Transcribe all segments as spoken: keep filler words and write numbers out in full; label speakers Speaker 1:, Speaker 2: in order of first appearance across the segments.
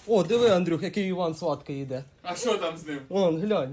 Speaker 1: О, диви, Андрюх, який Іван сладкий йде.
Speaker 2: А що там з ним?
Speaker 1: Вон, глянь.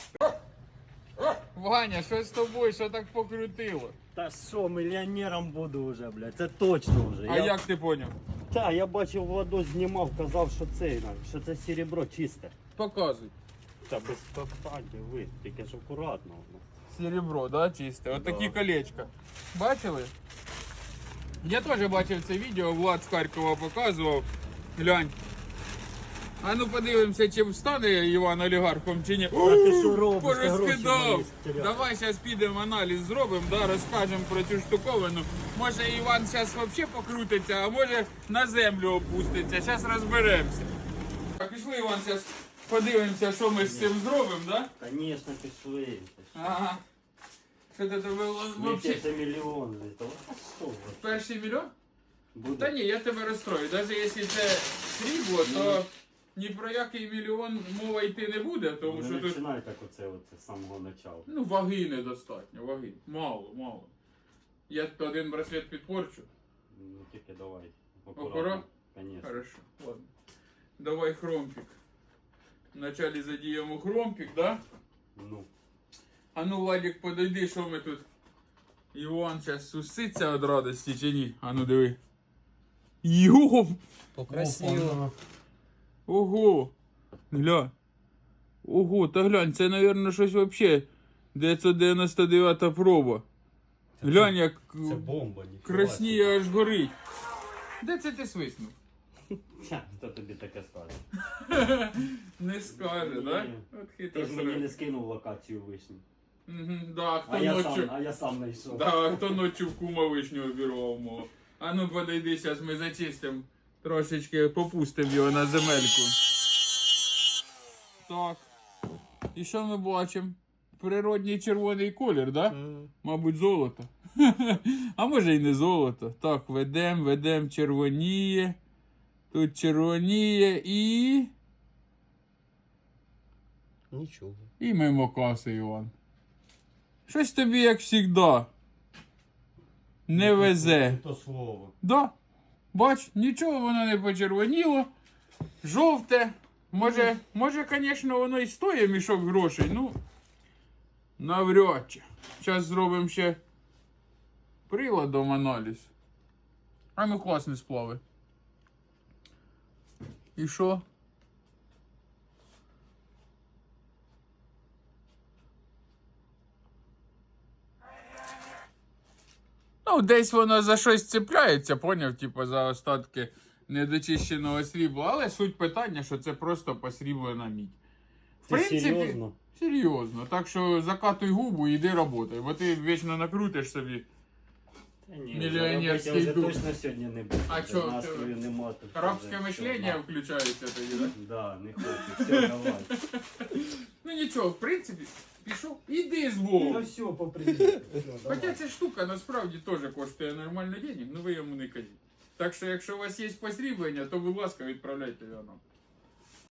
Speaker 2: Ваня, що з тобою, що так покрутило?
Speaker 3: Та що, мільйонером буду вже, блядь, це точно вже.
Speaker 2: А
Speaker 3: я...
Speaker 2: як ти поняв?
Speaker 3: Та, я бачив, Владос знімав, казав, що це, що це серебро чисте.
Speaker 2: Показуй.
Speaker 3: Та без питань, ви, тільки ж акуратно. ну.
Speaker 2: Серебро, да, чисте. От такі колечка. Бачили? Я теж бачив це відео, Влад з Харкова показував. Глянь. А ну подивимося, чи встане Іван олігархом, чи ні.
Speaker 3: А ти що робиш? Ти гроші
Speaker 2: Порозкидав.
Speaker 3: мої стеряв.
Speaker 2: Давай зараз підемо аналіз зробимо, да, розкажемо про цю штуковину. Може Іван зараз взагалі покрутиться, а може на землю опуститься. Зараз розберемося. Так, пішли, Іван, зараз подивимося, що ми з цим зробимо, да?
Speaker 3: Конечно, пішли.
Speaker 2: Ага. Що ти тебе
Speaker 3: Ми
Speaker 2: взагалі?
Speaker 3: це мільйон. А що ви?
Speaker 2: Перший мільйон?
Speaker 3: Буде?
Speaker 2: Та ні, я тебе розстрою. Навіть якщо це срібло, то ні про який мільйон мова йти не буде, тому
Speaker 3: Не
Speaker 2: що тут
Speaker 3: починай так оце, оце з самого начала.
Speaker 2: ну, ваги недостатньо, ваги. Мало, мало. Я один браслет підпорчу.
Speaker 3: Ну тільки давай.
Speaker 2: Акурат?
Speaker 3: Конечно.
Speaker 2: Хорошо, ладно. Давай хромпик. Вначале задіємо хромпик, да?
Speaker 3: Ну.
Speaker 2: А ну, Владик, подойди, що ми тут. Іван зараз суситься від радості чи ні? А ну диви. Йоп!
Speaker 1: Покрасиво.
Speaker 2: Ого! Гля. Ого, та глянь, це, мабуть, щось вообще. дев'ятсот дев'яносто дев'ята проба. Глянь, як
Speaker 3: Це бомба, ніхіба.
Speaker 2: красніє аж горить. Де це ти свиснув?
Speaker 3: Ха, хто тобі таке скаже?
Speaker 2: Не скаже, да?
Speaker 3: Ні.
Speaker 2: От
Speaker 3: Ти
Speaker 2: хитро
Speaker 3: ж мені не
Speaker 2: срок.
Speaker 3: скинув локацію вишні.
Speaker 2: Мгм, да, хто
Speaker 3: А я,
Speaker 2: ночі...
Speaker 3: сам, а я сам знайшов.
Speaker 2: Да, хто ночі в кума вишню обірвав мого. А ну подойди, зараз ми зачистимо. Трошечки попустимо його на земельку. Так. І що ми бачимо? Природній червоний колір, да? Мабуть, золото. А може і не золото. Так, ведем, ведем, червоніє. Тут червоніє і...
Speaker 1: Нічого.
Speaker 2: І мимо каси, Іван. Щось тобі, як завжди, не везе.
Speaker 3: То слово.
Speaker 2: Да. Бач, нічого воно не почервоніло. Жовте. Може, може, звісно, воно і стоїть мішок грошей, ну, навряд чи. Зараз зробимо ще приладом аналіз. А ну класні сплави. І що? Ну, десь воно за щось цепляється, поняв, типу, за остатки недочищеного срібла. Але суть питання, що це просто посріблена мідь. В
Speaker 3: Ти серйозно?
Speaker 2: Серйозно. Так що закатуй губу і йди роботай, бо ти вічно накрутиш собі.
Speaker 3: Та ні,
Speaker 2: Мільйонерський
Speaker 3: робити я вже
Speaker 2: дух.
Speaker 3: точно сьогодні не буду.
Speaker 2: А
Speaker 3: Вже
Speaker 2: чо,
Speaker 3: настрою нема тут.
Speaker 2: Рабське
Speaker 3: вже
Speaker 2: мишлення
Speaker 3: все,
Speaker 2: включається тоді, так?
Speaker 3: на. Да, не хочу. Все, давай.
Speaker 2: Ну нічого, в принципі, пішов. Іди з
Speaker 3: Ну
Speaker 2: Богом.
Speaker 3: все, по привіту.
Speaker 2: Хоча ця штука насправді теж коштує нормально денег, ну ви йому не кажіть. Так що, якщо у вас є посріблення, то, будь ласка, відправляйте його нам.